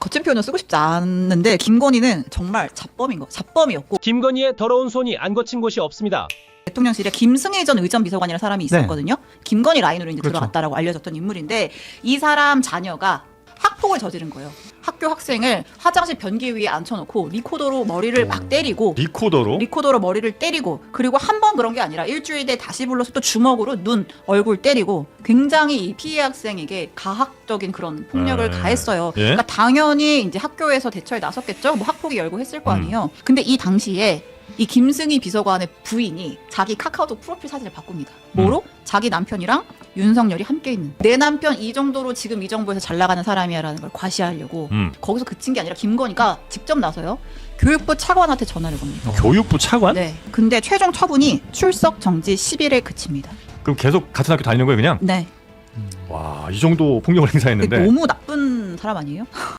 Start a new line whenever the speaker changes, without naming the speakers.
거친 표현을 쓰고 싶지 않는데 김건희는 정말 잡범이었고
김건희의 더러운 손이 안 거친 곳이 없습니다.
대통령실에 김승희 전 의전 비서관이라는 사람이 있었거든요. 김건희 라인으로 이제
그렇죠.
들어갔다라고 알려졌던 인물인데 이 사람 자녀가 학폭을 저지른 거예요. 학교 학생을 화장실 변기 위에 앉혀놓고 리코더로 머리를 막 때리고 리코더로 머리를 때리고 그리고 한 번 그런 게 아니라 일주일에 다시 불러서 또 주먹으로 눈, 얼굴 때리고 굉장히 이 피해 학생에게 가학적인 그런 폭력을 가했어요.
예?
그러니까 당연히 이제 학교에서 대처에 나섰겠죠. 뭐 학폭이 열고 했을 거 아니에요. 근데 이 당시에 이 김승희 비서관의 부인이 자기 카카오톡 프로필 사진을 바꿉니다. 뭐로? 자기 남편이랑 윤석열이 함께 있는. 내 남편 이 정도로 지금 이 정부에서 잘 나가는 사람이야라는 걸 과시하려고 거기서 그친 게 아니라 김건희가 직접 나서요. 교육부 차관한테 전화를 겁니다.
교육부 차관?
네. 근데 최종 처분이 출석 정지 10일에 그칩니다.
그럼 계속 같은 학교 다니는 거예요, 그냥?
네.
와, 이 정도 폭력을 행사했는데.
너무 나쁜 사람 아니에요?